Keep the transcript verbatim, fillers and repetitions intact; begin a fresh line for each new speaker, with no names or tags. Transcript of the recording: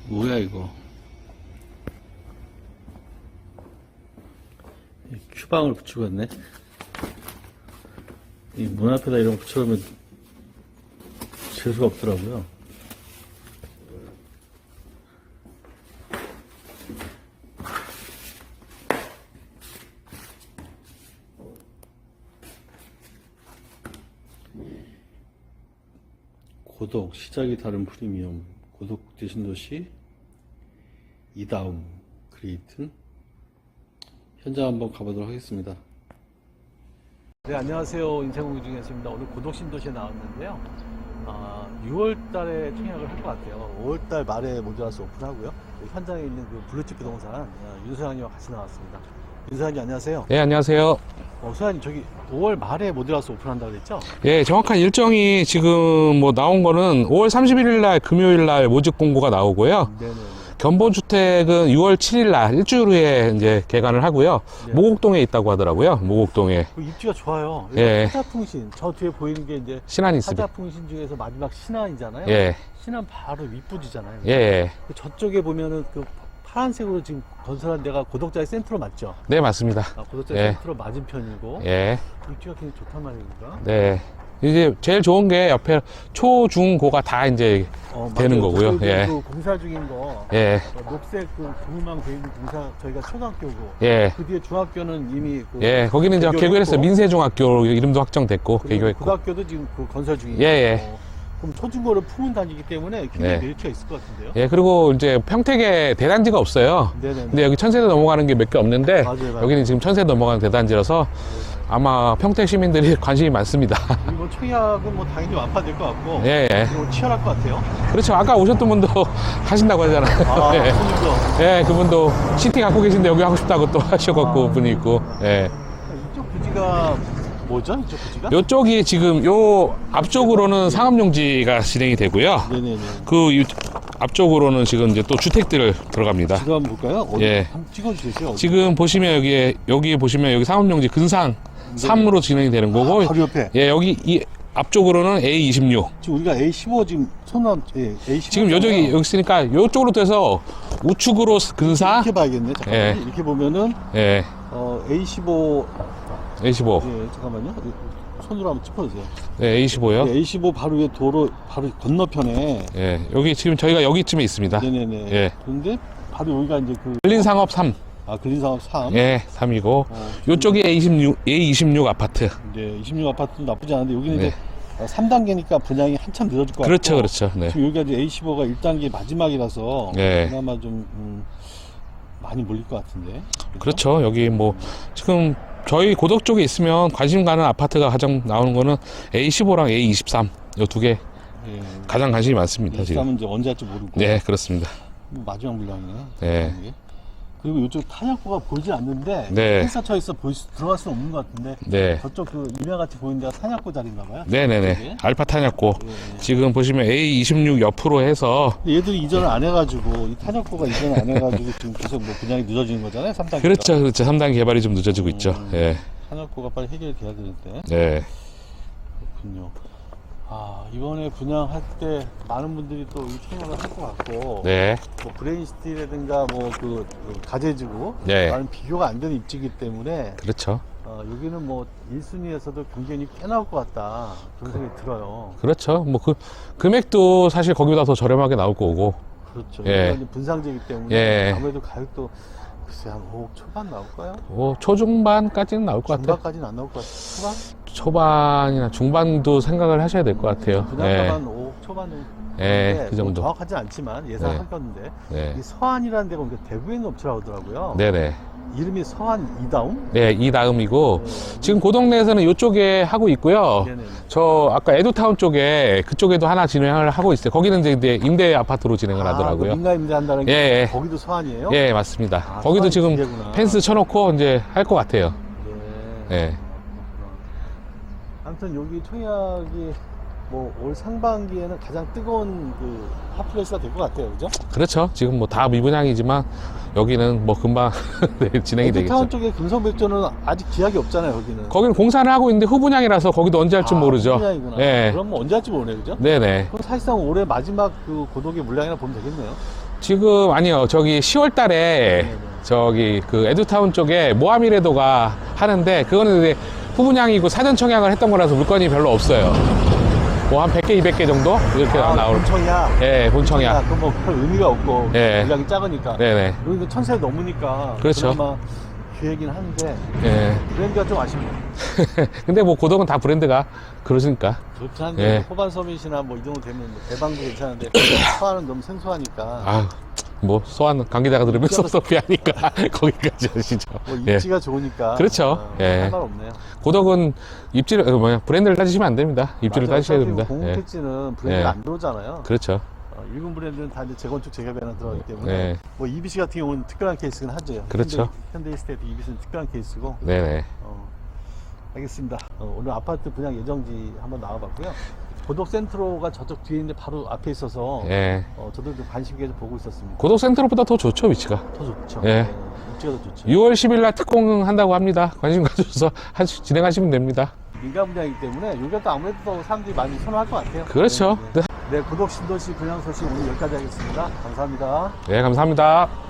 뭐야 이거? 큐방을 붙이고 있네. 이 문 앞에다 이런 거 붙여놓으면 재수가 없더라고요. 고독, 시작이 다른 프리미엄, 고독 대신 도시, 이다움, 그레이튼. 현장 한번 가보도록 하겠습니다. 네, 안녕하세요. 인생공유 중이었습니다. 오늘 고독 신도시에 나왔는데요. 아, 유월 달에 청약을 할 것 같아요. 오월 달 말에 모자라서 오픈하고요. 현장에 있는 그 블루칩 부동산 아, 윤소장님과 같이 나왔습니다. 윤소장님 안녕하세요.
네, 안녕하세요.
어, 소장님 저기 오월 말에 모자라서 오픈한다고 그랬죠?
예, 정확한 일정이 지금 뭐 나온 거는 오월 삼십일일 날 금요일 날 모집 공고가 나오고요.
네네.
견본주택은 유월 칠일 날 일주일 후에 이제 개관을 하고요.
네.
모곡동에 있다고 하더라고요. 모곡동에.
그 입지가 좋아요.
예.
하자풍신, 저 뒤에 보이는 게 이제
신안이 있습니다.
하자풍신 중에서 마지막 신안이잖아요.
예.
신안 바로 윗부지잖아요.
예.
그 저쪽에 보면은 그 파란색으로 지금 건설한 데가 고독자의 센트로 맞죠?
네, 맞습니다.
아, 고독자의
예.
센트로 맞은편이고
예.
입지가 굉장히 좋단 말입니다.
네. 이제 제일 좋은 게 옆에 초, 중, 고가 다 이제
어,
되는
맞아요.
거고요.
저희도
예.
그 공사 중인 거
예.
어, 녹색 그 구멍 돼 있는 공사 저희가 초등학교고
예.
그 뒤에 중학교는 이미 그
예. 거기는 이제 개교를 했어요. 민세중학교 이름도 확정됐고,
그리고
개교했고.
고등학교도 지금 그 건설 중이고
예, 예.
어, 그럼 초중고를 품은 단지이기 때문에 굉장히
네.
메리트가 있을 것 같은데요.
예, 그리고 이제 평택에 대단지가 없어요.
네네네.
근데 여기 천세대 넘어가는 게 몇 개 없는데,
맞아요, 맞아요.
여기는 지금 천세대 넘어가는 대단지라서 아마 평택 시민들이 관심이 많습니다.
그리고 청약은 뭐 당연히 완파될 것 같고
예, 예.
그리고 치열할 것 같아요.
그렇죠. 아까 오셨던 분도 하신다고 하잖아요.
아,
예.
손님도.
예, 그분도 시티 갖고 계신데 여기 하고 싶다고 또 하셔갖고
아.
분이 있고, 예.
이쪽 부지가 뭐죠? 이쪽 부지가?
요쪽이 지금 요 앞쪽으로는 상업용지가 진행이 되고요.
네네네.
그 유- 앞쪽으로는 지금 이제 또 주택들 들어갑니다.
지도 한번 볼까요? 어디
예.
한번 찍어주세요. 어디?
지금 보시면 여기에, 여기 보시면 여기 상업용지 근상 삼으로 진행이 되는 거고,
아, 바로 옆에.
예, 여기 이 앞쪽으로는 에이 이십육.
지금 우리가 에이 십오 지금 손남 예, 에이 십오
지금 여기 여기 있으니까 이쪽으로 돼서 우측으로 근사,
이렇게 봐야겠네. 잠깐만요.
예.
이렇게 보면은
예,
어, 에이 십오
에이 십오.
예, 잠깐만요. 손으로 한번 짚어주세요.
예, 에이 십오요.
예, 에이 십오 바로 위에 도로 바로 건너편에
예, 여기 지금 저희가 여기쯤에 있습니다.
네네네.
예.
그런데 바로 여기가 이제 그
근린상업 삼.
아, 근린상업 삼.
예, 삼이고
어,
요쪽이 에이 이십육, 에이 이십육 아파트.
네, 이십육 아파트도 나쁘지 않은데 여기는
네.
이제 삼 단계니까 분양이 한참 늦어질 것
그렇죠,
같고
그렇죠. 네.
지금 여기가 이제 에이 십오가 일 단계 마지막이라서
네.
그나마 좀 음, 많이 몰릴 것 같은데.
그렇죠. 여기 뭐 지금 저희 고덕 쪽에 있으면 관심 가는 아파트가 가장 나오는 거는 에이 십오랑 에이 이십삼 요 두 개
예,
가장 관심이 많습니다 지금.
이십삼은 이제 언제 할지 모르고
네, 그렇습니다.
뭐 마지막 물량이네.
네.
이게. 그리고 이쪽 탄약고가 보이지 않는데
네.
펜스처에서 보일 수, 들어갈 수는 없는 것 같은데
네.
저쪽 그 임야같이 보이는 데가 탄약고 자리인가 봐요.
네네네.
저쪽에.
알파 탄약고.
예, 예.
지금 보시면 에이 이십육 옆으로 해서
얘들이 이전을 안 해가지고 이 탄약고가 이전을 안 해가지고 지금 계속 뭐 분양이 늦어지는 거잖아요. 삼 단계.
그렇죠, 그렇죠. 삼 단계 개발이 좀 늦어지고 있죠.
음.
예.
탄약고가 빨리 해결돼야 되는데.
네.
그렇군요. 아, 이번에 분양할 때 많은 분들이 또 이 청약을 할 것 같고
네.
뭐 브레인시티라든가 뭐 그 가재지구
네.
많은 비교가 안 되는 입지이기 때문에
그렇죠.
어, 여기는 뭐 일 순위에서도 경쟁이 꽤 나올 것 같다 그런 생각이 들어요.
그렇죠. 뭐 그 금액도 사실 거기보다 더 저렴하게 나올 거고.
그렇죠.
예.
여기가 이제 분상지이기 때문에
예.
아무래도 가격도 글쎄 한 오억 초반 나올까요?
뭐 초중반까지는 나올 것 같아요.
중반까지는 안 나올 것 같아요. 초반?
초반이나 중반도 생각을 하셔야 될 것 같아요.
분양가만 오억 초반 정도.
예,
근데
그 정도.
뭐 정확하지 않지만 예상할 건데
네.
이 서한이라는 데가 우리가 대구에 있는 업체라고 하더라고요.
네네.
이름이 서한 이다움?
네, 이 다음이고
네.
지금 그 동네에서는 이쪽에 하고 있고요.
네네.
저 아까 에듀타운 쪽에 그쪽에도 하나 진행을 하고 있어요. 거기는 이제 임대 임대 아파트로 진행을 하더라고요.
아, 민가 임대한다는 게
예, 예.
거기도 서한이에요?
예, 맞습니다.
아,
거기도
서한이
지금
두 개구나.
펜스 쳐놓고 이제 할 것 같아요.
네.
예.
아무튼 여기 청약이 뭐 올 상반기에는 가장 뜨거운 그 핫플레이스가 될 것 같아요, 그죠?
그렇죠. 지금 뭐 다 미분양이지만 여기는 뭐 금방 네, 진행이 되겠죠.
에듀타운 쪽에 금성백조는 아직 기약이 없잖아요, 여기는.
거기는 공사를 하고 있는데 후분양이라서 거기도 언제 할지
아,
모르죠.
분양이구나.
예.
그럼 뭐 언제 할지 모르네, 그죠?
네네.
그럼 사실상 올해 마지막 그 고독의 물량이라 보면 되겠네요.
지금 아니요. 저기 시월 달에 저기 그 에듀타운 쪽에 모하미레도가 하는데 그거는 이제 후분양이고 사전 청약을 했던 거라서 물건이 별로 없어요. 뭐 한 백 개, 이백 개 정도 이렇게
아,
나올.
본청이야.
예, 본청약.
그럼 뭐별 의미가 없고
예.
물량이 작으니까.
네네.
여기도 천세 넘으니까.
그렇죠.
그나마 기회긴 한데
예.
브랜드가 좀 아쉽네요.
근데 뭐 고덕은 다 브랜드가 그러시니까.
그렇긴 한데
예.
호반 서밋이나 뭐 이 정도 되면 뭐 대방도 괜찮은데 소화는 너무 생소하니까.
아, 뭐 소환 관계자가 들으면 섭섭해하니까 거기까지 하시죠.
뭐
예.
입지가 좋으니까.
그렇죠.
어,
예.
할 말 없네요.
고덕은 입지를 어, 뭐야 브랜드를 따지시면 안 됩니다. 입지를
맞아요.
따지셔야
어차피
됩니다.
공공
예.
택지는 브랜드
예.
안 들어오잖아요.
그렇죠.
어, 일본 브랜드는 다 이제 재건축 재개발 하나 들어가기 때문에
네.
뭐 이비씨 같은 경우는 특별한 케이스긴 하죠.
그렇죠.
현대, 현대이스테이트 이비씨는 특별한 케이스고.
네네.
어, 알겠습니다. 어, 오늘 아파트 분양 예정지 한번 나와봤고요. 고덕 센트로가 저쪽 뒤에 있는데 바로 앞에 있어서
예.
어, 저도 좀 관심 있게 보고 있었습니다.
고덕 센터로보다 더 좋죠 위치가.
더 좋죠.
예.
어, 입지가 더 좋죠.
유월 십일 날 특공한다고 합니다. 관심 가져서 하시, 진행하시면 됩니다.
민간 분양이기 때문에 여기가 또 아무래도 더 사람들이 많이 선호할 것 같아요.
그렇죠.
네, 네. 네, 고덕 신도시 분양 소식 오늘 여기까지 하겠습니다. 감사합니다.
네, 감사합니다.